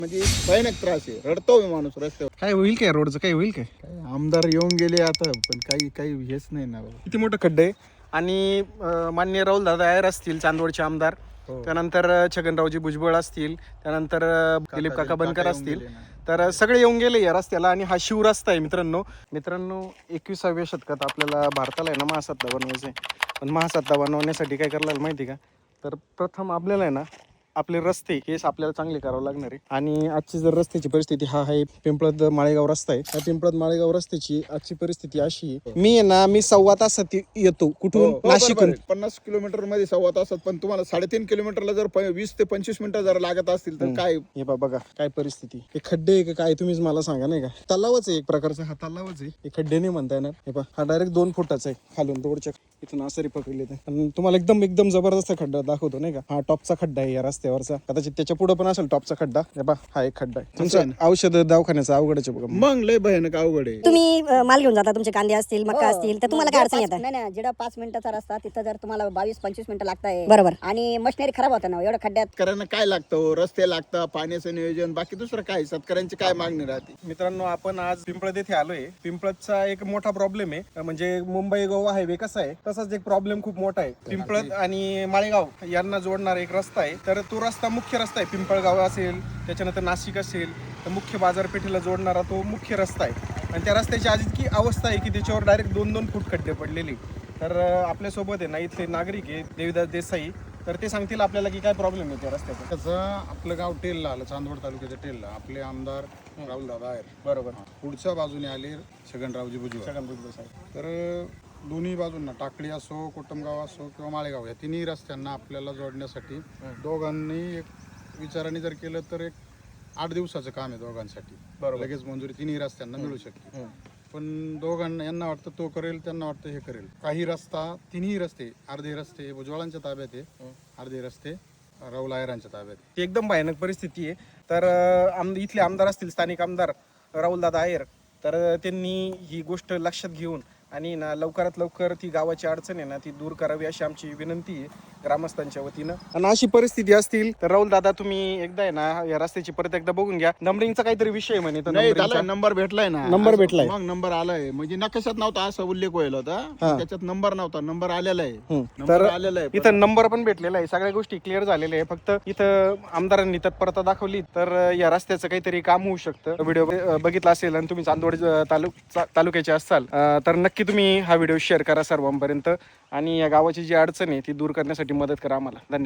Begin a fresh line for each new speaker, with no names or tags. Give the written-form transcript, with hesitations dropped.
म्हणजे भयानक त्रास आहे, रडतो माणूस रस्त्यावर.
काय होईल काय रोडचं, काय होईल काय?
आमदार येऊन गेले आता, पण काही हेच नाही ना.
किती मोठं खड्डे आहे. आणि माननीय राहुल दादा आयर असतील चांदवडचे आमदार, त्यानंतर छगनरावजी भुजबळ असतील, त्यानंतर दिलीप काका बनकर असतील, तर सगळे येऊन गेले या रस्त्याला. आणि हा शिवरस्ता आहे मित्रांनो. 21व्या शतकात आपल्याला भारताला आहे ना महासत्ता बनवायचं आहे. पण महासत्ता बनवण्यासाठी काय करायला माहिती का, तर प्रथम आपल्याला आहे ना आपले रस्ते हेच आपल्याला चांगले करावं लागणार आहे. आणि आजची जर रस्त्याची परिस्थिती हा आहे पिंपळद माळेगाव रस्ता आहे. या पिंपळद माळेगाव रस्त्याची आजची परिस्थिती अशी आहे, मी आहे ना 1.25 तासात येतो कुठून, नाशिकहून.
50 किलोमीटर मध्ये 1.25 तासात, पण तुम्हाला 3.5 किलोमीटरला जर 20 ते 25 मिनिटं जर लागत असतील तर काय.
हे बघा काय परिस्थिती. हे खड्डे आहे का काय तुम्हीच मला सांगा, नाही का? तलावच आहे एक प्रकारचा, हा तलावच आहे. हे खड्डे नाही म्हणता येणार. हे पहा, हा डायरेक्ट 2 फुटाचा आहे खालून रोडच्या इथून आसरी पकडले तर. आणि तुम्हाला एकदम जबरदस्त खड्डा दाखवतो, नाही का? हा टॉपचा खड्डा आहे या रस्त्यावरचा. कदाचित त्याच्या पुढे पण असेल टॉपचा खड्डा. हे पहा, हा एक खड्डा आहे. तुमचं औषध दवाखान्याचा अवघडच आहे बघा.
मग लय भयानक अवघड आहे.
तुम्ही माल घेऊन जाता, तुमचे कांदे असतील, मक्का असतील, तर तुम्हाला काय अडचण येतात?
नाही जिथं 5 मिनिटाचा रस्ता तिथं जर तुम्हाला 22-25 मिनिटं लागताय,
बरोबर.
आणि मशिनरी खराब होतं ना एवढ्या खड्ड्यात.
शेतकऱ्यांना काय लागतं, रस्ते लागतं, पाण्याचं नियोजन, बाकी दुसरं काय शेतकऱ्यांची काय मागणी राहते.
मित्रांनो, आपण आज पिंपळद येथे आलोय. पिंपळदचा एक मोठा प्रॉब्लेम आहे, म्हणजे मुंबई गोवा हायवे कसा आहे तसाच एक प्रॉब्लेम खूप मोठा आहे. पिंपळद आणि माळेगाव यांना जोडणारा एक रस्ता आहे. तर तो रस्ता मुख्य रस्ता आहे. पिंपळगाव असेल, त्याच्यानंतर नाशिक असेल, तर मुख्य बाजारपेठेला जोडणारा तो मुख्य रस्ता आहे. आणि त्या रस्त्याची आज इतकी अवस्था आहे की त्याच्यावर डायरेक्ट 2-2 फूट खड्डे पडलेले. तर आपल्यासोबत आहे ना इथले नागरिक आहे देवीदास देसाई, तर ते सांगतील आपल्याला की काय प्रॉब्लेम आहे त्या रस्त्याचा.
त्याचं आपलं गाव टेलला आलं, चांदवड तालुक्याच्या टेलला. आपले आमदार राहुल दादा आहेत,
बरोबर.
पुढच्या बाजूने आले छगनरावजी भुजबळ. तर दोन्ही बाजूंना टाकळी असो, कोटमगाव असो किंवा माळेगाव, या तिन्ही रस्त्यांना आपल्याला जोडण्यासाठी दोघांनी एक विचाराने जर केलं तर एक 8 दिवसाचं काम आहे दोघांसाठी. लगेच मंजुरी तिन्ही रस्त्यांना मिळू शकते. पण दोघांना, यांना वाटतं तो करेल, त्यांना वाटतं हे करेल. काही रस्ता, तिन्ही रस्ते, अर्धे रस्ते भुजबळांच्या ताब्यात आहे, अर्धे रस्ते राहुल आयरांच्या ताब्यात आहे.
ती एकदम भयानक परिस्थिती आहे. तर इथले आमदार असतील, स्थानिक आमदार राहुल दादा आयर, तर त्यांनी ही गोष्ट लक्षात घेऊन आणि ना लवकरात लवकर ती गावाची अडचण आहे ना ती दूर करावी अशी आमची विनंती आहे ग्रामस्थांच्या वतीनं. आणि अशी परिस्थिती असतील तर राहुल दादा तुम्ही एकदा आहे ना या रस्त्याची परत एकदा बघून घ्या. नंबरिंगचा काहीतरी विषय म्हणे, तर
नाही त्याला नंबर भेटलाय ना.
नंबर भेटलाय.
मग नंबर आलाय, म्हणजे नकाशात नव्हता असा उल्लेख व्हायला होता, त्याच्यात नंबर नव्हता, नंबर आलेला आहे.
तर
आलेला आहे,
इथं नंबर पण भेटलेला आहे. सगळ्या गोष्टी क्लिअर झालेल्या आहे. फक्त इथं आमदारांनी तत्परता दाखवली तर या रस्त्याचं काहीतरी काम होऊ शकतं. व्हिडिओ बघितला असेल आणि तुम्ही चांदवड तालुक्याचे असाल तर नक्की तुम्ही हा व्हिडिओ शेअर करा सर्वांपर्यंत. आणि या गावाची जी अडचण आहे ती दूर करण्यासाठी मदत करा आम्हाला. धन्यवाद.